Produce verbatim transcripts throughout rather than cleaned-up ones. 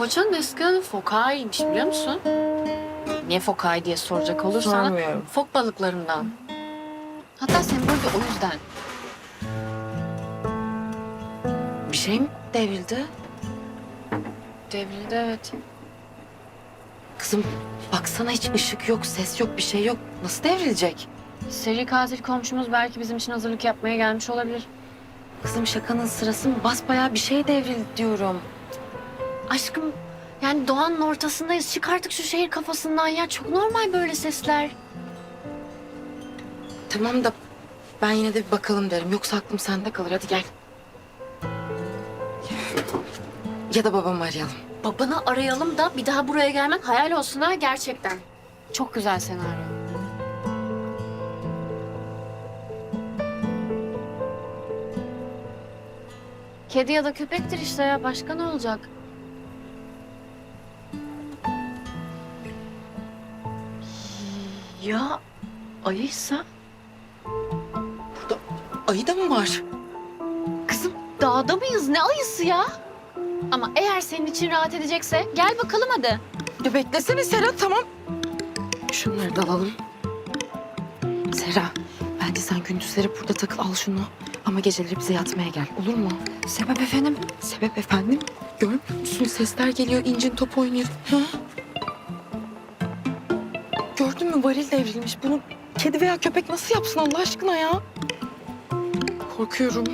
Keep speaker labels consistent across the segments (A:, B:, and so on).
A: Foça'nın eski adı Fokai'ymiş biliyor musun? Niye Fokai diye soracak olursan
B: Sormuyorum.
A: fok balıklarından. Hatta sembolü de o yüzden.
B: Bir şey mi devrildi?
A: Devrildi evet.
B: Kızım baksana hiç ışık yok, ses yok, bir şey yok. Nasıl devrilecek?
A: Seri katil komşumuz belki bizim için hazırlık yapmaya gelmiş olabilir.
B: Kızım şakanın sırası mı? Basbayağı bir şey devrildi diyorum.
A: Aşkım yani doğanın ortasındayız. Çık artık şu şehir kafasından ya. Çok normal böyle sesler.
B: Tamam da ben yine de bir bakalım derim. Yoksa aklım sende kalır. Hadi gel. Ya da babamı arayalım.
A: Babanı arayalım da bir daha buraya gelmek hayal olsun ha gerçekten. Çok güzel senaryo. Kedi ya da köpektir işte ya. Başka ne olacak? Ya ayıysa?
B: Burada ayı da mı var?
A: Kızım dağda mıyız? Ne ayısı ya? Ama eğer senin için rahat edecekse gel bakalım hadi.
B: Ya beklesene Serra, tamam. Şunları da alalım. Serra, bence sen gündüzleri burada takıl, al şunu. Ama geceleri bize yatmaya gel, olur mu?
A: Sebep efendim?
B: Sebep efendim? Görmüyor musun? Sesler geliyor, incin top oynuyor. Ha? Gördün mü, varil devrilmiş. Bunu kedi veya köpek nasıl yapsın Allah aşkına ya? Korkuyorum.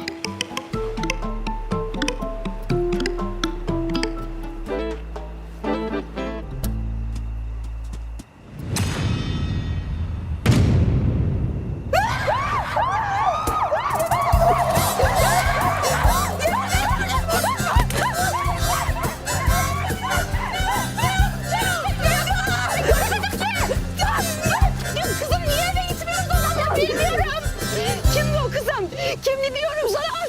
C: Kim bu kızım? Kim diyorum sana?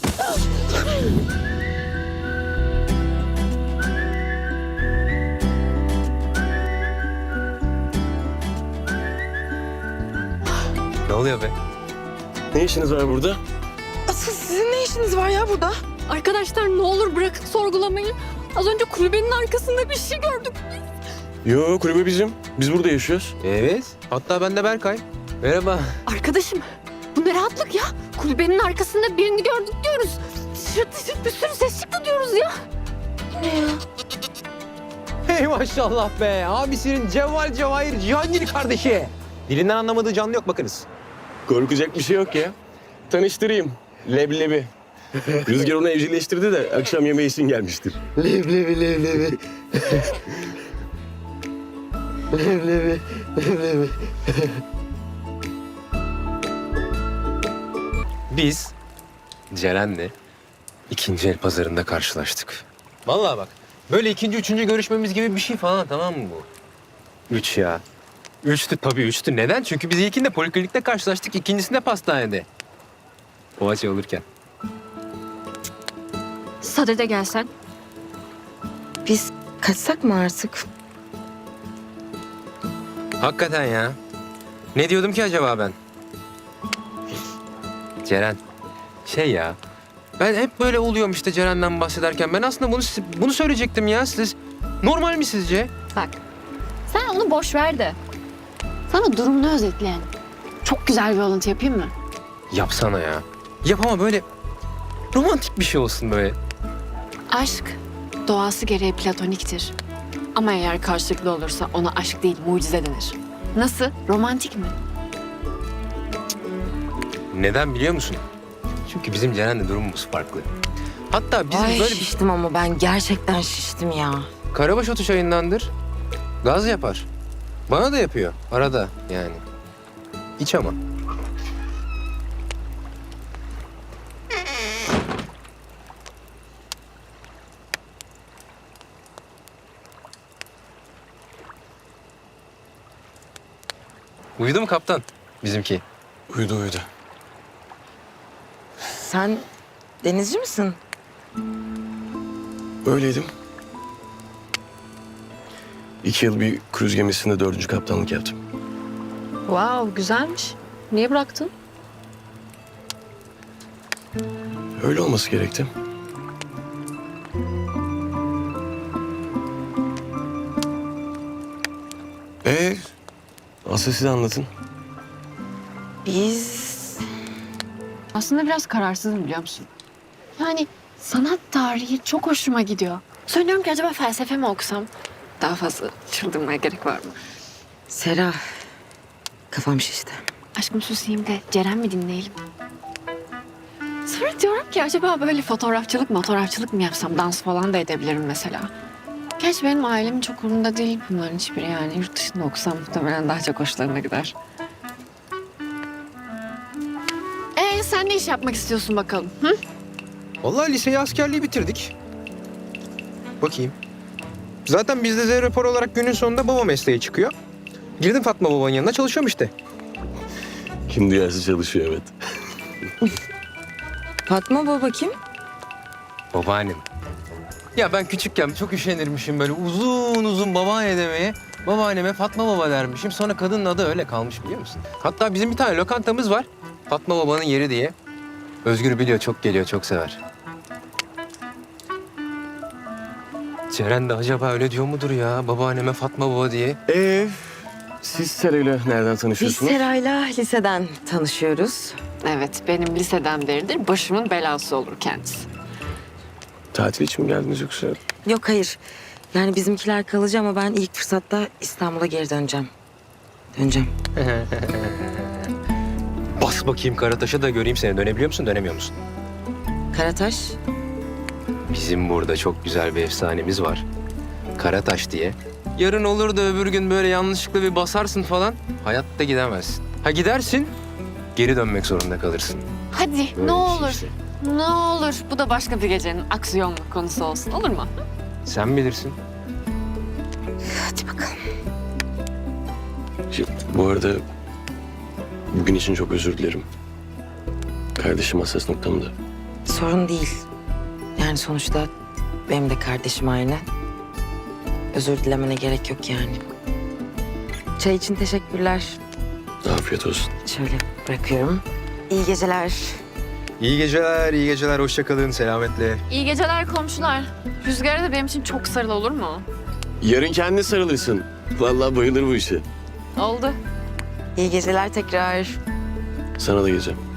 D: Ne oluyor be?
E: Ne işiniz var burada?
B: Asıl sizin ne işiniz var ya burada?
C: Arkadaşlar ne olur bırakın sorgulamayı. Az önce kulübenin arkasında bir şey gördük.
E: Yo, kulübe bizim. Biz burada yaşıyoruz.
D: Evet. Hatta ben de Berkay. Merhaba.
C: Arkadaşım bu ne rahatlık ya? Kulübenin arkasında birini gördük diyoruz. Şırt şırt bir sürü ses çıktı diyoruz ya.
D: Hey maşallah be. Abisinin Cevval Cevahir Cihangir kardeşi. Dilinden anlamadığı canlı yok bakınız.
E: Korkacak bir şey yok ya. Tanıştırayım. Leblebi. Rüzgar onu evcilleştirdi de akşam yemeği için gelmiştir. Leblebi, leblebi. leblebi, leblebi.
D: Biz Ceren'le ikinci el pazarında karşılaştık. Vallahi bak. Böyle ikinci, üçüncü görüşmemiz gibi bir şey falan, tamam mı bu? Üç ya. Üçtü tabii üçtü. Neden? Çünkü biz ilkinde poliklinikte karşılaştık, ikincisinde pastanede. Poğaça olurken.
C: Sadede gelsen.
B: Biz kaçsak mı artık?
D: Hakikaten ya. Ne diyordum ki acaba ben? Ceren. Şey ya. Ben hep böyle oluyorum işte Ceren'den bahsederken. Ben aslında bunu bunu söyleyecektim ya. Siz normal mi sizce?
A: Bak sen onu boş ver de. Sana durumunu özetleyen çok güzel bir alıntı yapayım mı?
D: Yapsana ya. Yap ama böyle romantik bir şey olsun böyle.
A: Aşk doğası gereği platoniktir. Ama eğer karşılıklı olursa ona aşk değil mucize denir. Nasıl? Romantik mi?
D: Neden biliyor musun? Çünkü bizim Ceren'le durumumuz farklı. Hatta bizim
B: Ay
D: böyle bir
B: şiştim ama ben gerçekten şiştim ya.
D: karabaş otu çayındandır. Gaz yapar. Bana da yapıyor arada yani. İç ama. Uyudu mu kaptan bizimki?
E: Uyudu uyudu.
B: Sen denizci misin?
E: Öyleydim. İki yıl bir kruz gemisinde dördüncü kaptanlık yaptım.
A: Wow güzelmiş. Niye bıraktın?
E: Öyle olması gerekti. Ee, asıl siz anlatın.
B: Biz
A: Aslında biraz kararsızım biliyor musun? Yani sanat tarihi çok hoşuma gidiyor. Söylüyorum ki acaba felsefe mi okusam? Daha fazla çıldırmaya gerek var mı?
B: Sera, kafam şişti.
A: Aşkım susayım de Ceren mi dinleyelim? Sonra diyorum ki acaba böyle fotoğrafçılık fotoğrafçılık mı yapsam? Dans falan da edebilirim mesela. Gerçi benim ailemin çok umurunda değil bunların hiçbiri yani. Yurt dışında okusam muhtemelen daha çok hoşlarına gider. Ee sen ne iş yapmak istiyorsun bakalım? Hı?
D: Vallahi liseyi askerliği bitirdik. Bakayım. Zaten bizde Z rapor olarak günün sonunda baba mesleği çıkıyor. Girdim Fatma babanın yanına çalışıyorum işte.
E: Kim duyarsa çalışıyor evet.
B: Fatma baba kim?
D: Babaannem. Ya ben küçükken çok üşenirmişim böyle uzun uzun babaanne demeye. Babaanneme Fatma baba dermişim. Sonra kadının adı öyle kalmış biliyor musun? Hatta bizim bir tane lokantamız var. Fatma babanın yeri diye. Özgür biliyor, çok geliyor, çok sever. Ceren de acaba öyle diyor mudur ya babaanneme Fatma baba diye?
E: Ee, siz Sera'yla nereden
B: Biz
E: tanışıyorsunuz?
B: Sera'yla liseden tanışıyoruz.
A: Evet benim liseden beridir başımın belası olur kendisi.
E: Tatil için mi geldiniz yoksa?
B: Yok hayır. Yani bizimkiler kalıcı ama ben ilk fırsatta İstanbul'a geri döneceğim. Döneceğim.
D: Bas bakayım Karataş'a da göreyim seni. Dönebiliyor musun, dönemiyor musun?
B: Karataş.
D: Bizim burada çok güzel bir efsanemiz var. Karataş diye. Yarın olur da öbür gün böyle yanlışlıkla bir basarsın falan. Hayatta gidemezsin. Ha gidersin, geri dönmek zorunda kalırsın.
A: Hadi
D: Böyle bir
A: ne
D: şey
A: olur.
D: işte.
A: Ne olur bu da başka bir gecenin aksiyonlu konusu olsun olur mu?
D: Sen bilirsin.
B: Hadi bakalım.
E: Şimdi, bu arada bugün için çok özür dilerim. Kardeşim hassas noktamda.
B: Sorun değil. Yani sonuçta benim de kardeşim aynı. Özür dilemene gerek yok yani. Çay için teşekkürler.
E: Afiyet olsun.
B: Şöyle bırakıyorum. İyi geceler.
D: İyi geceler, iyi geceler. Hoşça kalın, selametle.
A: İyi geceler komşular. Rüzgar'a da benim için çok sarıl olur mu?
E: Yarın kendine sarılırsın. Vallahi bayılır bu işe.
A: Oldu.
B: İyi geceler tekrar.
E: Sana da geleceğim.